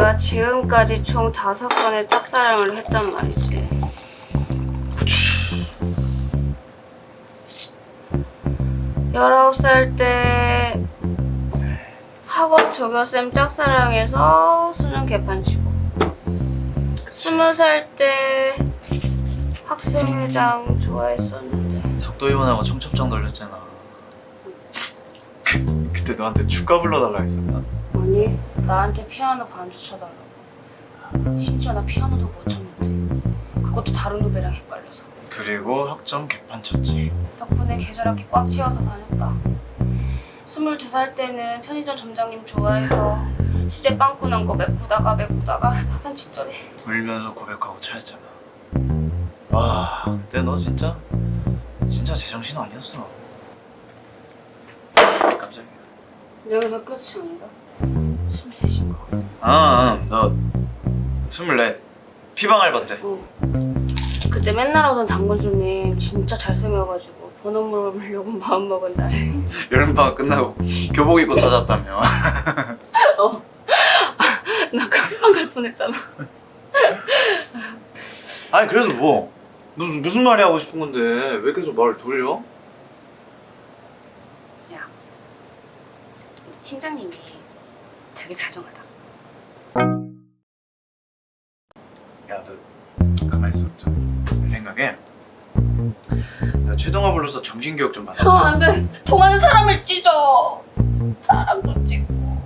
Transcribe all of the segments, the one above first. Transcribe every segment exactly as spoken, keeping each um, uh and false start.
우리가 지금까지 총 다섯 번의 짝사랑을 했단 말이지. 그치. 열아홉 살 때 학원 조교쌤 짝사랑해서 수능 개판치고, 스무 살 때 학생회장 좋아했었는데 속도위반하고 청첩장 돌렸잖아. 그, 그때 너한테 축가 불러달라 했었나? 아니, 나한테 피아노 반주 쳐달라고. 심지어 나 피아노도 못 쳤는데, 그것도 다른 후배랑 헷갈려서. 그리고 학점 개판 쳤지. 덕분에 계절학기 꽉 채워서 다녔다. 스물두 살 때는 편의점 점장님 좋아해서 시제 빵꾸 난 거 메꾸다가 메꾸다가 파산 직전에. 울면서 고백하고 차였잖아. 와, 그때 너 진짜 진짜 제정신 아니었어. 깜짝이야. 여기서 끝이 아니다. 스물셋인가? 아, 너 스물넷 피방 알바 때. 어. 그때 맨날 오던 단골 손님 진짜 잘생겨가지고 번호 물어보려고 마음먹은 날에. 여름방학 끝나고 교복 입고 찾았다며. 어. 나 깜빡 갈 뻔했잖아. 아니 그래서 뭐 무슨 무슨 말이 하고 싶은 건데 왜 계속 말을 돌려? 야, 우리 팀장님이 되게 다정하다. 야, 너 가만 있어. 좀 내 생각에 너 최동화 불러서 정신교육 좀 받아. 어, 안 돼. 통하는 사람을 찢어. 사람도 찢고.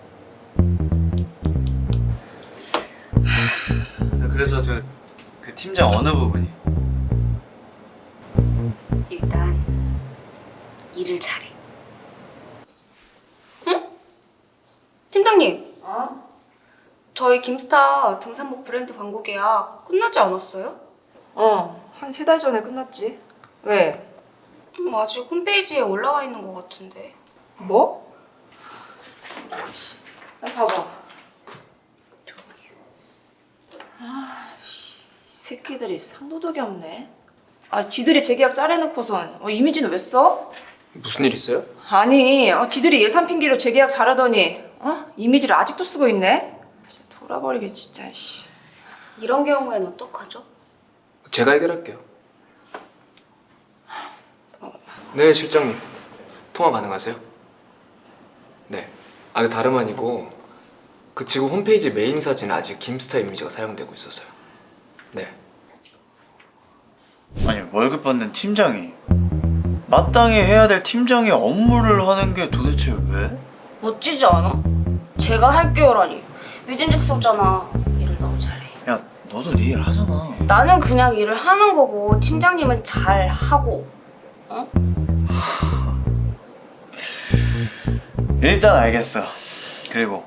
그래서 그, 그 팀장 어느 부분이? 일단 일을 잘해. 응? 팀장님. 어? 저희 김스타 등산복 브랜드 광고 계약 끝나지 않았어요? 어, 한 세 달 전에 끝났지. 왜? 음, 아직 홈페이지에 올라와 있는 것 같은데. 뭐? 나 봐봐. 저기. 이 새끼들이 상도덕이 없네. 아, 지들이 재계약 짜내놓고선 어, 이미지는 왜 써? 무슨 일 있어요? 아니, 어, 지들이 예산 핑계로 재계약 잘하더니 어? 이미지를 아직도 쓰고 있네? 진짜 돌아버리게 진짜. 씨. 이런 경우에는 어떡하죠? 제가 해결할게요. 네, 실장님. 통화 가능하세요? 네. 아, 그 다름 아니고 그 지금 홈페이지 메인 사진에 아직 김스타 이미지가 사용되고 있어서요. 네. 아니 월급 받는 팀장이 마땅히 해야 될 팀장의 업무를 하는 게 도대체 왜? 멋지지 않아? 제가 할게요라니. 위진즉석잖아. 일을 너무 잘해. 야 너도 네 일 하잖아. 나는 그냥 일을 하는 거고 팀장님은 잘 하고. 어? 일단 알겠어. 그리고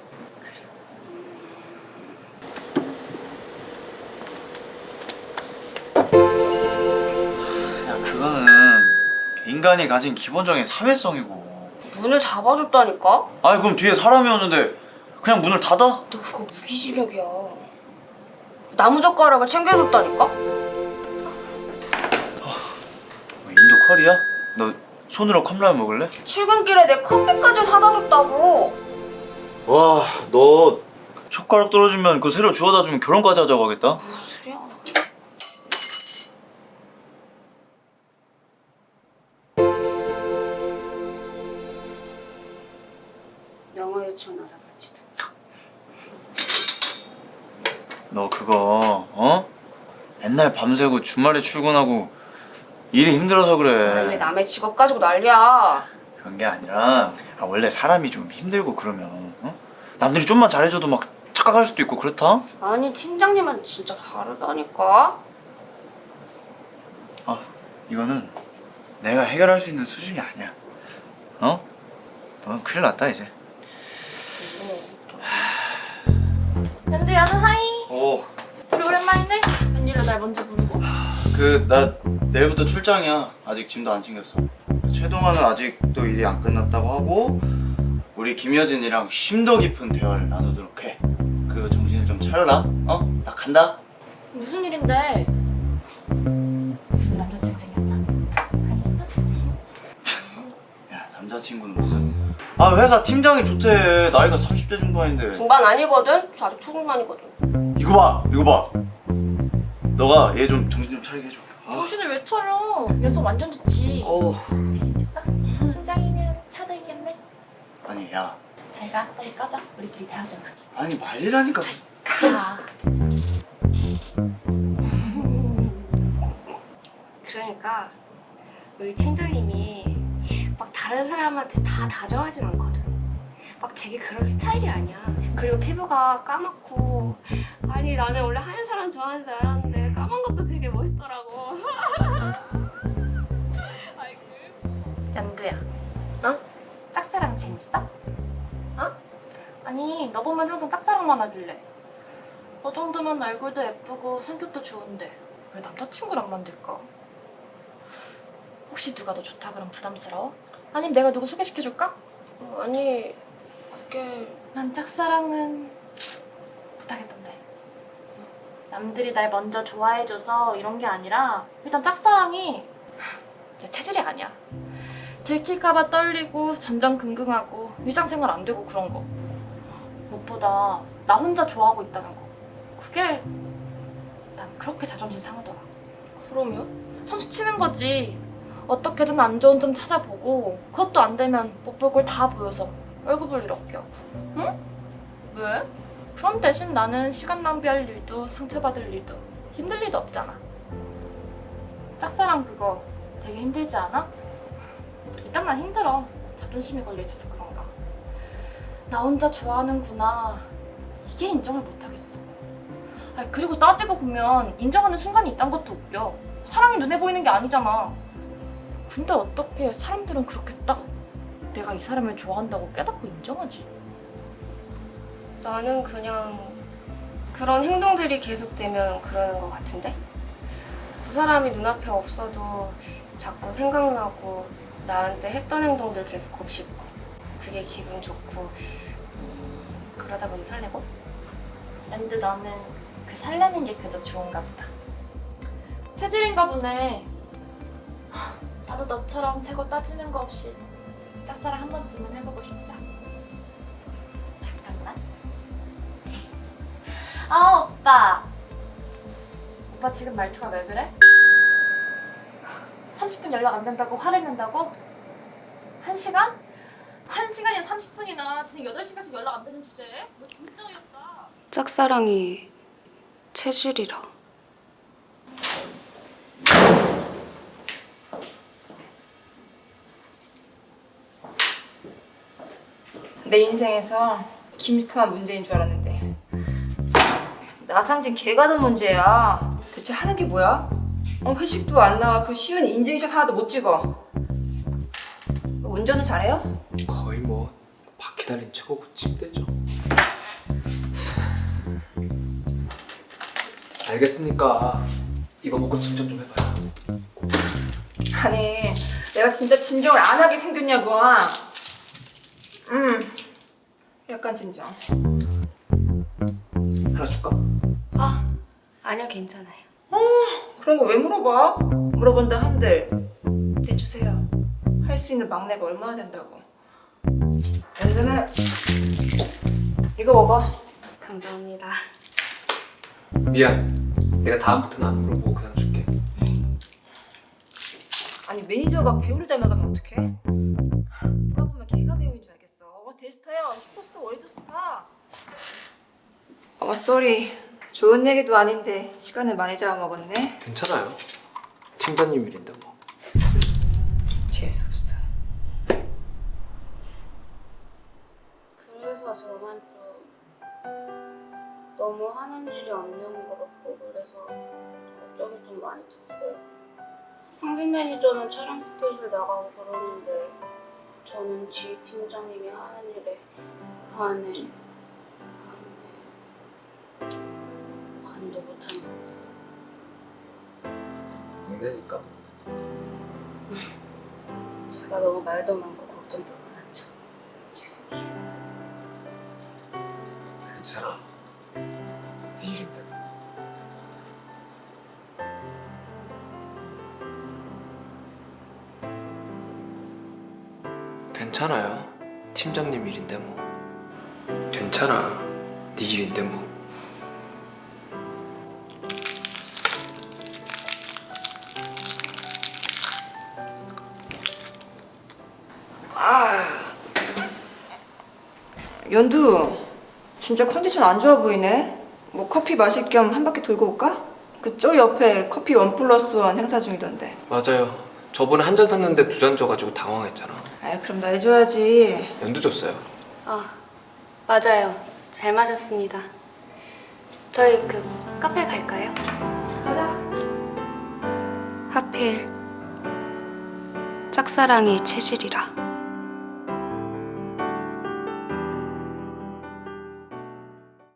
야 그거는 인간이 가진 기본적인 사회성이고. 문을 잡아줬다니까? 아니 그럼 뒤에 사람이 오는데 그냥 문을 닫아? 너 그거 무기징역이야. 나무젓가락을 챙겨줬다니까? 뭐 인도 커리야? 너 손으로 컵라면 먹을래? 출근길에 내 커피까지 사다 줬다고. 와, 너 젓가락 떨어지면 그거 새로 주워다 주면 결혼까지 하자고 하겠다. 무슨 소리야? 영어 유치원 알아볼지도. 너 그거 어? 맨날 밤새고 주말에 출근하고 일이 힘들어서 아니, 왜 그래. 남의 직업 가지고 난리야? 그런 게 아니라 아, 원래 사람이 좀 힘들고 그러면 어? 남들이 좀만 잘해줘도 막 착각할 수도 있고 그렇다? 아니 팀장님은 진짜 다르다니까. 아, 이거는 내가 해결할 수 있는 수준이 아니야. 어? 넌 큰일 났다 이제. 연두야는 하이. 오, 우리 오랜만이네. 웬일로 날 먼저 부르고. 그 나 내일부터 출장이야. 아직 짐도 안 챙겼어. 최동환은 아직도 일이 안 끝났다고 하고 우리 김여진이랑 심도 깊은 대화를 나누도록 해. 그리고 정신을 좀 차려라. 어? 나 간다. 무슨 일인데? 남자친구 생겼어? 알겠어? 야 남자친구는 무슨 아 회사 팀장이 좋대. 나이가 삼십 대 중반인데. 중반 아니거든? 저 아직 초중반이거든. 이거 봐 이거 봐. 너가 얘 좀 정신 좀 차리게 해줘. 정신을 왜 차려? 연습 완전 좋지. 어. 잘생겼어? 팀장이면 차도 있겠네. 아니 야. 잘 가. 빨리 꺼져. 우리끼리 대화 좀 하게. 아니 말이라니까. 가. 그러니까 우리 팀장님이 막 다른 사람한테 다 다정하진 않거든. 막 되게 그런 스타일이 아니야. 그리고 피부가 까맣고, 아니 나는 원래 하얀 사람 좋아하는 줄 알았는데 까만 것도 되게 멋있더라고. 연두야. 어? 짝사랑 재밌어? 어? 아니 너 보면 항상 짝사랑만 하길래. 너 정도면 얼굴도 예쁘고 성격도 좋은데 왜 남자친구랑 만들까? 혹시 누가 너 좋다 그럼 부담스러워? 아니면 내가 누구 소개시켜줄까? 어, 아니 그게 난 짝사랑은 못하겠던데. 남들이 날 먼저 좋아해줘서 이런 게 아니라 일단 짝사랑이 내 체질이 아니야. 들킬까봐 떨리고 전전긍긍하고 일상생활 안 되고 그런 거. 무엇보다 나 혼자 좋아하고 있다는 거. 그게 난 그렇게 자존심 상하더라. 그러면? 선수 치는 거지. 어떻게든 안 좋은 점 찾아보고 그것도 안 되면 못 볼 걸 다 보여서 얼굴 볼 일 없겨. 응? 왜? 그럼 대신 나는 시간 낭비할 일도 상처받을 일도 힘들 일도 없잖아. 짝사랑 그거 되게 힘들지 않아? 일단 난 힘들어. 자존심이 걸려있어서 그런가. 나 혼자 좋아하는구나. 이게 인정을 못하겠어. 아니, 그리고 따지고 보면 인정하는 순간이 있단 것도 웃겨. 사랑이 눈에 보이는 게 아니잖아. 근데 어떻게 사람들은 그렇게 딱 내가 이 사람을 좋아한다고 깨닫고 인정하지? 나는 그냥 그런 행동들이 계속되면 그러는 것 같은데? 그 사람이 눈앞에 없어도 자꾸 생각나고 나한테 했던 행동들 계속 곱씹고 그게 기분 좋고 음, 그러다 보면 설레고? 근데 나는 그 설레는 게 그저 좋은가 보다. 체질인가 보네. 하, 나도 너처럼 재고 따지는 거 없이 짝사랑 한 번쯤은 해보고 싶다. 잠깐만. 아 오빠. 오빠 지금 말투가 왜 그래? 삼십 분 연락 안 된다고 화를 낸다고? 한 시간? 한 시간이야 삼십 분이나 지금 여덟 시간씩 연락 안 되는 주제에? 너 진짜 어이없다. 짝사랑이 체질이라. 내 인생에서 김스타만 문제인 줄 알았는데 나상진 걔가 더 문제야. 대체 하는 게 뭐야? 어, 회식도 안 나와. 그 쉬운 인증샷 하나도 못 찍어. 운전은 잘해요? 거의 뭐 바퀴 달린 최고 침대죠. 알겠으니까 이거 먹고 진정 좀 해봐요. 아니 내가 진짜 진정을 안 하게 생겼냐고. 음 약간 진정. 하나 줄까? 아, 아니요 괜찮아요. 그런 거 왜 물어봐? 물어본다 한들 네 주세요. 할 수 있는 막내가 얼마나 된다고. 연주는 이거 먹어. 감사합니다. 미안. 내가 다음부터는 안 물어보고 그냥 줄게. 아니 매니저가 배우를 닮아가면 어떡해? 누가 보면 걔가 배우인 줄 알겠어. 어, 대스타야. 슈퍼스타 월드스타. 어 쏘리. 좋은 얘기도 아닌데 시간을 많이 잡아먹었네. 괜찮아요. 팀장님 일인데 뭐. 재수없어. 그래서 저만 좀 너무 하는 일이 없는 것 같고 그래서 걱정이 좀 많이 됐어요. 황빈 매니저는 촬영 스케줄 나가고 그러는데 저는 지휘 팀장님이 하는 일에 반에 반에 반도 못하는 것 같아요. 막내니까. 제가 너무 말도 많고 걱정도 많았죠. 죄송해요. 괜찮아. 네 일인데. 괜찮아요. 팀장님 일인데 뭐. 괜찮아. 네 일인데 뭐. 연두, 진짜 컨디션 안 좋아 보이네. 뭐 커피 마실 겸 한 바퀴 돌고 올까? 그쪽 옆에 커피 원 플러스 원 행사 중이던데. 맞아요. 저번에 한 잔 샀는데 두 잔 줘가지고 당황했잖아. 아, 그럼 나 해줘야지. 연두 줬어요. 아, 맞아요. 잘 마셨습니다. 저희 그 카페 갈까요? 가자. 하필 짝사랑이 체질이라.